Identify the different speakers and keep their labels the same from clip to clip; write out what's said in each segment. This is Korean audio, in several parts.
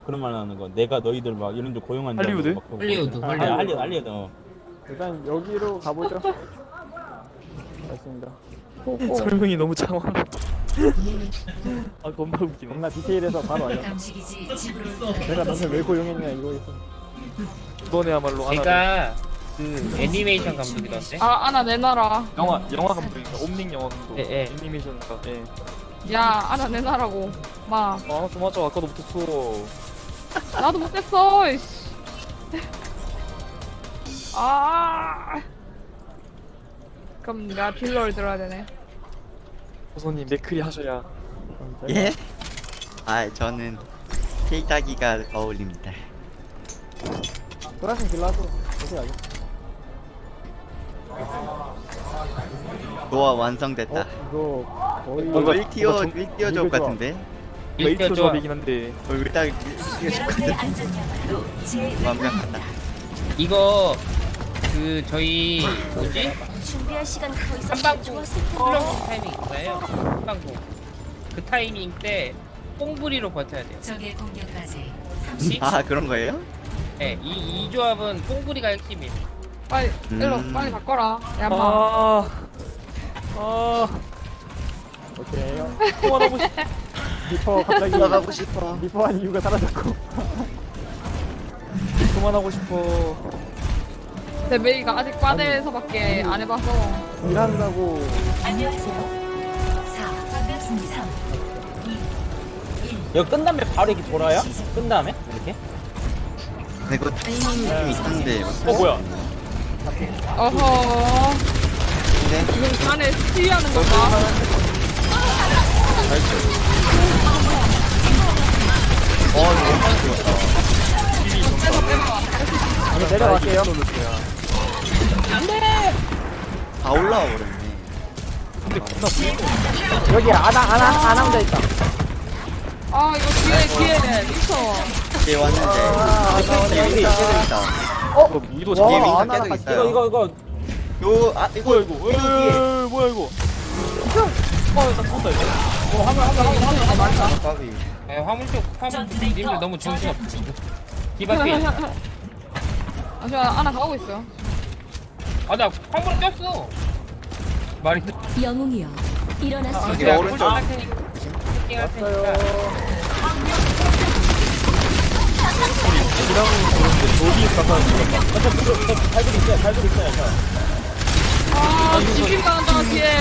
Speaker 1: 그런 말 하는 거. 내가 너희들 막 이런 데 고용한 줄
Speaker 2: 할리우드?
Speaker 1: 알고 막 그러고.
Speaker 3: 할리우드,
Speaker 1: 아,
Speaker 3: 할리우드.
Speaker 1: 할리우드.
Speaker 4: 일단 여기로 가보죠. 맞습니다.
Speaker 2: 설명이 너무 장황. 아 겁나 웃기네.
Speaker 4: 겁나 디테일해서 바로 알려.
Speaker 5: 감식이지 집으로
Speaker 4: 내가 너네 왜 고용했냐 이거 있어.
Speaker 2: 이번에야말로 하나.
Speaker 3: 제가 그 애니메이션 감독이던데.
Speaker 6: 아, 아나 내놔라.
Speaker 2: 영화 감독입니다. 옴닉 영화 감독.
Speaker 3: 예, 예.
Speaker 2: 애니메이션가. 예.
Speaker 6: 야, 아나 내놔라고. 마.
Speaker 2: 아 좀 하자. 아까도 못했어.
Speaker 6: 나도 못했어. 이씨. 아. 그럼 내가 딜러를 들어야 되네.
Speaker 2: 호선님 맥크리 하셔야.
Speaker 7: 예? 아 저는 케이타기가 어울립니다.
Speaker 4: 돌아선 길라도 어떻게 하죠?
Speaker 7: 노아 완성됐다.
Speaker 4: 이거 거의
Speaker 2: 뭔가
Speaker 7: 1티어 조합 같은데?
Speaker 2: 메이트
Speaker 3: 일조
Speaker 2: 조합이긴 한데.
Speaker 7: 얼굴 딱 1티어 조합 같은데?
Speaker 5: 안전망으로 제
Speaker 7: 완벽하다.
Speaker 3: 이거 그 저희 뭐지?
Speaker 5: 준비할 시간 더 있어
Speaker 3: 한방구
Speaker 5: 좋았을 텐데.
Speaker 3: 플러스 타이밍 있어요. 한방구. 그 타이밍 때 뽕부리로 버텨야 돼요.
Speaker 5: 적의 공격까지
Speaker 7: 아 그런 거예요?
Speaker 3: 네, 이 조합은 뽕부리가 핵심이에요.
Speaker 6: 빨리, 일로, 빨리 바꿔라. 야, 마.
Speaker 2: 아.
Speaker 4: 오케이.
Speaker 2: 통화하고 싶.
Speaker 4: 리퍼 갑자기
Speaker 7: 나가고 싶어.
Speaker 4: 리퍼한 이유가 사라졌고.
Speaker 2: 그만하고 싶어.
Speaker 6: 내 메이가 아직 과대에서밖에 안 해봐서.
Speaker 4: 일한다고
Speaker 5: 안녕하세요 4 3
Speaker 1: 이거 끝 다음에 바로 이렇게 돌아요? 끝 다음에? 이렇게?
Speaker 7: 근데 그거 타이밍이 좀 이상한데.
Speaker 2: 뭐야?
Speaker 6: 어허.
Speaker 7: 근데
Speaker 6: 지금 안에 스티하는 건가?
Speaker 4: 이거 내려갈게요.
Speaker 7: 다 올라와 버렸네.
Speaker 4: 여기 아나 혼자 있다.
Speaker 6: 아, 이거 뒤에 미쳐.
Speaker 7: 이제 왔는데. 여기 있다.
Speaker 2: 이거 위도
Speaker 7: 뒤에
Speaker 2: 잡아.
Speaker 7: 윈선
Speaker 4: 아나랑
Speaker 7: 계속
Speaker 4: 같이
Speaker 7: 있어요.
Speaker 1: 이거
Speaker 7: 요, 아, 이거,
Speaker 2: 뭐야 이거? 에이, 뭐야 이거? 나 죽었다 이거.
Speaker 7: 까비.
Speaker 3: 네, 화물님들 너무 정신없어. 디바피.
Speaker 6: 아, 저 아나 가고 있어요.
Speaker 3: 아, 나 화물 꼈어. 말이
Speaker 5: 영웅이여 일어났습니다.
Speaker 7: 이거 오른쪽.
Speaker 3: 할 테니까. 할 테니까.
Speaker 6: 아, 지금 가는다, 뒤에.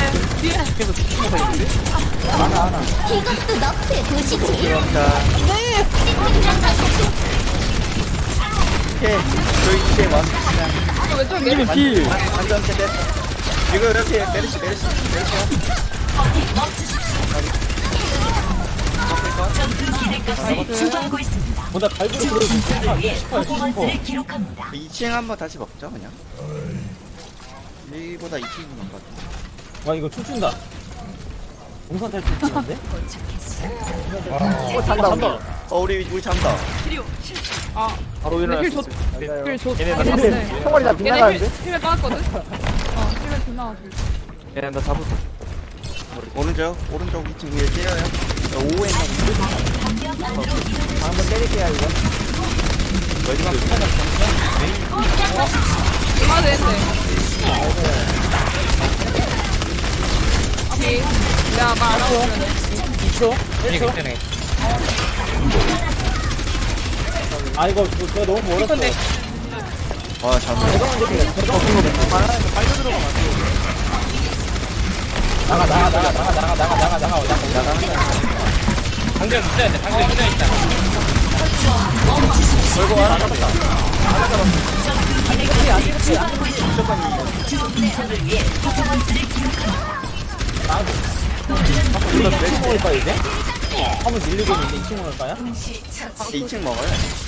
Speaker 5: 이것도 너프의 도시지.
Speaker 7: 귀엽다. 오케이. 저희 이제 완벽한.
Speaker 6: 아, 왼쪽 메이
Speaker 2: 필.
Speaker 7: 완전 세대. 이거 이렇게 메르시.
Speaker 5: 주도하고 있습니다.
Speaker 1: 보다 발굴이
Speaker 5: 퍼포먼스를 기록합니다.
Speaker 7: 2층 한번 다시 먹죠, 그냥. 1보다 2층인 것 같아.
Speaker 1: 와 이거 춤춘다. 동산 탈출 치는데?
Speaker 4: 잔다.
Speaker 7: 우리 잔다.
Speaker 6: 아,
Speaker 2: 바로 일어날
Speaker 6: 힐
Speaker 2: 수
Speaker 6: 좋,
Speaker 2: 있어.
Speaker 6: 힐 좋,
Speaker 2: 얘네
Speaker 6: 아,
Speaker 2: 다
Speaker 6: 좋네.
Speaker 4: 총알이 다
Speaker 6: 얘네
Speaker 4: 빗나가는데?
Speaker 6: 힐에 빠졌거든? 힐에 빗나가지고.
Speaker 2: 얘네 나 잡았어.
Speaker 7: 오른쪽 2층 위에 때려요. 5에
Speaker 4: 한번 때릴게요 이거.
Speaker 6: 얼마 되는데? 오케이. 야, 말 안 하고.
Speaker 3: 이게 괜찮네.
Speaker 1: 아 이거 너무 멀었어.
Speaker 3: 근데
Speaker 7: 와, 잠깐.
Speaker 1: 나가.
Speaker 3: 방금 있어야 돼. 방금 있어야 있다.
Speaker 1: 우리 2층 먹을까 이제? 한번 밀리고 있는데 2층 먹을까요?
Speaker 7: 2층 먹어요.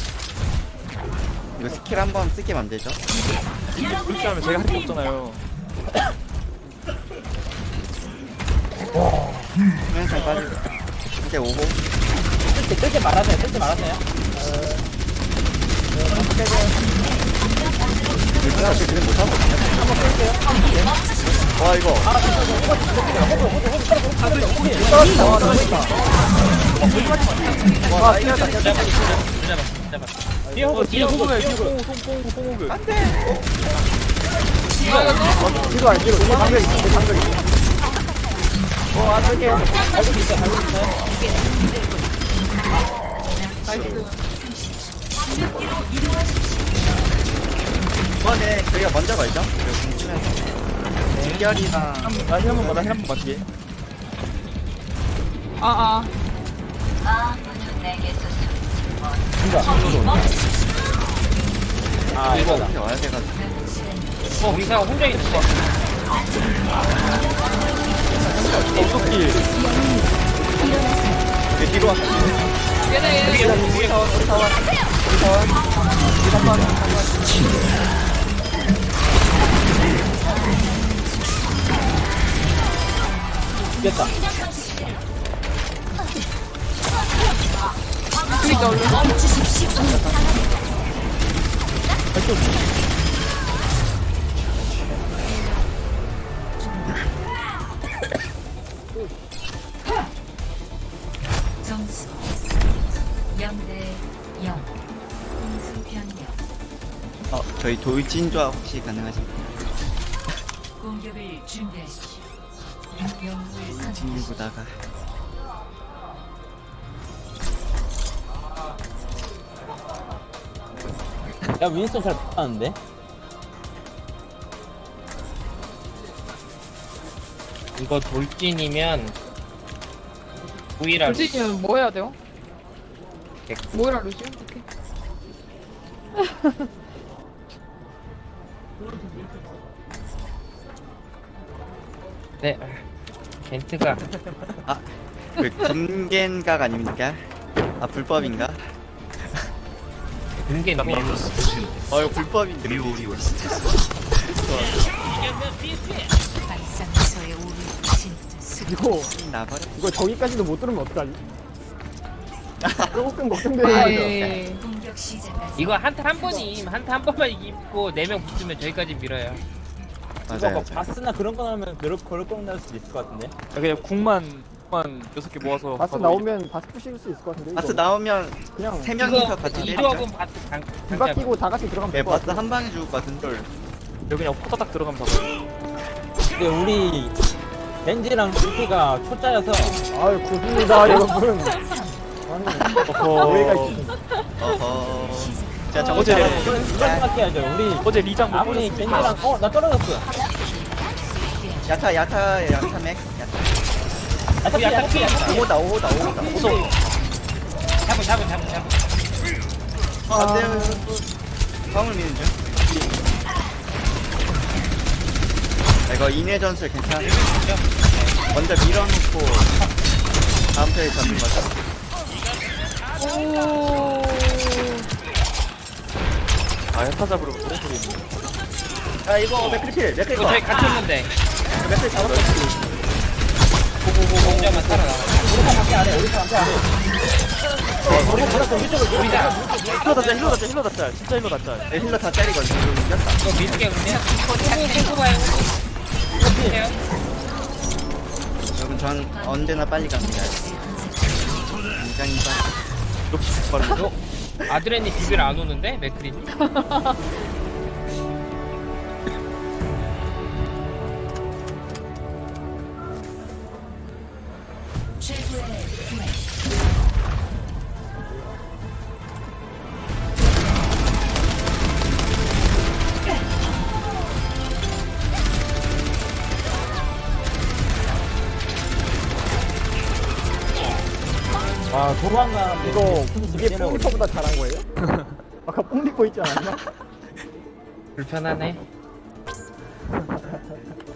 Speaker 7: 이거 스킬 한번 쓰게 만들죠.
Speaker 2: 그렇게 하면 제가 할 게 없잖아요.
Speaker 7: 수면상 빠지고. 이제 오고.
Speaker 1: 뜰때 말하세요.
Speaker 7: 사실 그냥 못하거든요. 와 이거
Speaker 4: 와 뛰었다.
Speaker 3: 뒤에 호그 뒤에 호그
Speaker 2: 송호그.
Speaker 4: 뒤로 와 뒤로. 뒤에 방벽 있어. 뒤에 방벽 있어. 안 쓸게요.
Speaker 7: 이번에 저희가 먼저 걸죠? 그리고 공치면서 대결이랑
Speaker 2: 나힐한번 봐. 나힐한번 봐. 뒤에.
Speaker 6: 아.
Speaker 1: 아
Speaker 7: 이거
Speaker 1: 이거다.
Speaker 7: 어떻게 와야 돼가지고
Speaker 3: 우리가 혼자 있는 거
Speaker 2: 어떻게?
Speaker 7: 그 뒤로 왔어
Speaker 6: 얘네.
Speaker 1: 이겼다.
Speaker 6: 그니까 얼른.
Speaker 5: 점수 0대 0. 공수 변경.
Speaker 7: 저희 돌진좌 혹시 가능하신가요?
Speaker 5: 공격을 준비하십시오. 영웅을 선택.
Speaker 7: 진보다가
Speaker 1: 야 윈스턴 잘 못하는데?
Speaker 3: 이거 돌진이면 우이라
Speaker 6: 루시는 뭐 해야 돼요? 뭐이라 루시? 오케이.
Speaker 3: 네 겐트가
Speaker 7: 그 금겐각 아닙니까? 아 불법인가?
Speaker 3: 금겐
Speaker 7: 이거 불법인데
Speaker 5: 발상처의 오류 진짜 수.
Speaker 7: 나버려
Speaker 4: 이거 저기까지도 못 들으면 어떡하지? 조금 걱정되는 거죠.
Speaker 6: 에이.
Speaker 5: 공격 시작까지
Speaker 3: 이거 한타 한 번이 한타 한 번만 이기고 4명 붙으면 저기까지 밀어요.
Speaker 1: 이거
Speaker 7: 맞아요
Speaker 1: 막 바스나 그런 거 나오면 그럴 거 날 수도 있을 것 같은데?
Speaker 2: 그냥 궁만 6개 모아서.
Speaker 4: 바스 나오면 바스 푸실 수 있을 것 같은데.
Speaker 7: 바스
Speaker 4: 이거.
Speaker 7: 나오면
Speaker 4: 그냥
Speaker 7: 3명이서 같이
Speaker 3: 이
Speaker 7: 때리죠
Speaker 3: 조합은 바트
Speaker 4: 비박 끼고 다 같이 들어가면
Speaker 7: 네
Speaker 4: 될것
Speaker 7: 바스
Speaker 4: 같아.
Speaker 7: 한 방에 죽을 것 같은데
Speaker 2: 여기 그냥 호다닥 들어가면 잡아요.
Speaker 1: 근데 우리 벤지랑 루피가 초짜여서
Speaker 4: 아유 고맙습니다 여러분. 아니 여기가 있어.
Speaker 7: 어허 자 저거
Speaker 2: 어제
Speaker 1: 이건 생각해야죠. 우리
Speaker 2: 어제 리장 못
Speaker 1: 아무리
Speaker 2: 보냈어.
Speaker 1: 벤지랑 나 떨어졌어.
Speaker 7: 야타 맥 야타
Speaker 3: 야타
Speaker 7: 오호다
Speaker 3: 잡은
Speaker 7: 안돼요 화물 미는 중 이거 인해 전술 괜찮아? 먼저 밀어놓고 다음 턴에 잡는 거죠
Speaker 2: 아 야타 잡으러 그런 소리 있네.
Speaker 7: 야 이거 맥크리필
Speaker 3: 이거 저희 갇혔는데
Speaker 7: 맥크리 잡았어
Speaker 3: 공자만 살아나와.
Speaker 2: 힐러 닫자. 진짜 힐러 닫자.
Speaker 7: 내 힐러 다 때리거든 이거 이겼다
Speaker 3: 이거 밀게 그러면. 호구 봐요. 해요.
Speaker 7: 여러분 전 언제나 빨리 갑니다 굉장히 빨리
Speaker 2: 역시 빠르네.
Speaker 3: 아드레니 비빌 안 오는데 맥크리.
Speaker 5: 최고의 플레이.
Speaker 1: 와 도망가는데
Speaker 4: 이거 이게 뽕리퍼보다 잘한 거예요? 아까 뽕리퍼 있지 않았나?
Speaker 3: 불편하네.